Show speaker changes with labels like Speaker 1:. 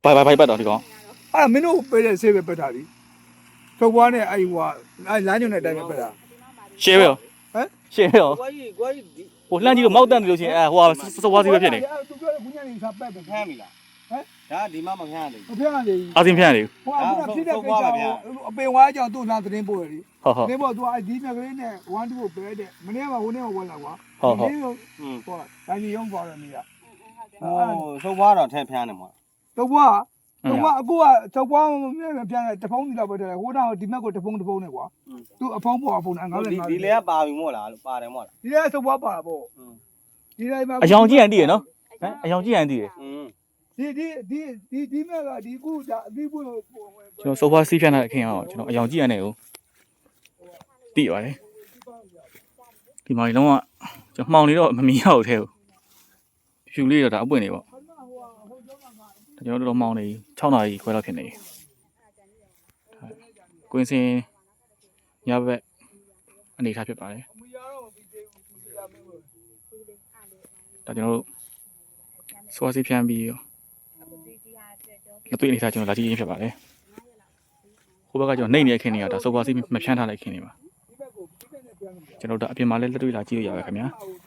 Speaker 1: ဘာပတ်တော့ဒီကောင်
Speaker 2: မင်းတို့ပေးတဲ့ဆေးပဲပက်တာလीသုတ်ပွားနဲ့အဲ့ဟိုအဲ့လမ်းညွန်တဲ့အတိုင်းပဲပက်တာ
Speaker 1: ရှယ်ပဲရော
Speaker 2: ဟမ်
Speaker 1: ရှယ်ရော
Speaker 3: ကွာကြီးကွာကြီး
Speaker 1: ဟိုလှမ်းကြည့်လို့မောက်တန့်တယ်လို့ရှိရင်ဟိုဟာစောပွားစီပဲဖြစ်နေ
Speaker 2: သူပြောတဲ့ခုညနေစာပက်တယ်
Speaker 3: ဖမ်းပြီလားဒါဒီမှမဖမ်းရသေး
Speaker 2: မဖျက်ရသေးဘူး
Speaker 1: အာစင်ဖျက်နေ
Speaker 2: ဟိုကဖြစ်တဲ့ကိစ္စအပင်ဝါးကြောင့်သူ့လားသတင်းပို့ရည်
Speaker 1: ဟုတ်ဟုတ်
Speaker 2: သတင်းပို့သူအဲ့ဒီမြကလေးနဲ့1 2ကိုပဲတဲ့မနေ့ကဟိုနေ့ကဝင်လာကွာဟိုတိုင်းရုံးသွားတယ်နေရ
Speaker 3: ဟိုသုတ်ပွားတော့ထဲဖမ်းတယ်မဟုတ်
Speaker 2: သုတ်ပွားအခုကသုတ်ပွားမြဲပြန်တဖုံးစီလောက်ပဲတယ်ဟိုတော့ဒီမက်ကိုတဖုံးနဲ့ကွာသူအဖုံးပေါ်အဖုံး95
Speaker 3: ဒီလေကပါပြီမို့လားပါတယ်မို့လား
Speaker 2: ဒီလဲသုတ်ပွားပါပေါ့ဒီတိုင်းမှာ
Speaker 1: အယောင်ကြည့်ရင်တည်ရနော်ဟမ်အယောင်ကြည့်ရင်တည်ရ
Speaker 2: ဒီမက်ကဒီခုဒါအပြီးပွင့်
Speaker 1: ကျွန်တော်စောပွားစီးဖြတ်နေတဲ့ခင်အောင်ကျွန်တော်အယောင်ကြည့်ရနေကိုတည်ပါတယ်ဒီမှာလုံးဝကျွန်တော်မှောင်နေတော့မမြင်ရဘူးထဲကိုဖြူလေးတော့ဒါအပွင့်နေပေါ့ကျွန်တော်တို့တော့မှောင်နေ6နာရီခွဲလောက်ဖြစ်နေကွင်းစင်ညဘက်အနေထားဖြစ်ပါတယ်ဒါကျွန်တော်တို့စောပွားစီးဖြတ်ပြီးရောမတွေ့အနေထားကျွန်တော်လာကြည့်ရင်းဖြစ်ပါတယ်ဟိုဘက်ကကျွန်တော်နှိမ့်နေတဲ့ခင်းတွေကဒါစောပွားစီးမဖြန်းထားတဲ့ခင်းတွေပါကျွန်တော်တို့အပြင်မှာလည်းလက်တွေ့လာကြည့်လို့ရပါခင်ဗျာ
Speaker 2: ဟို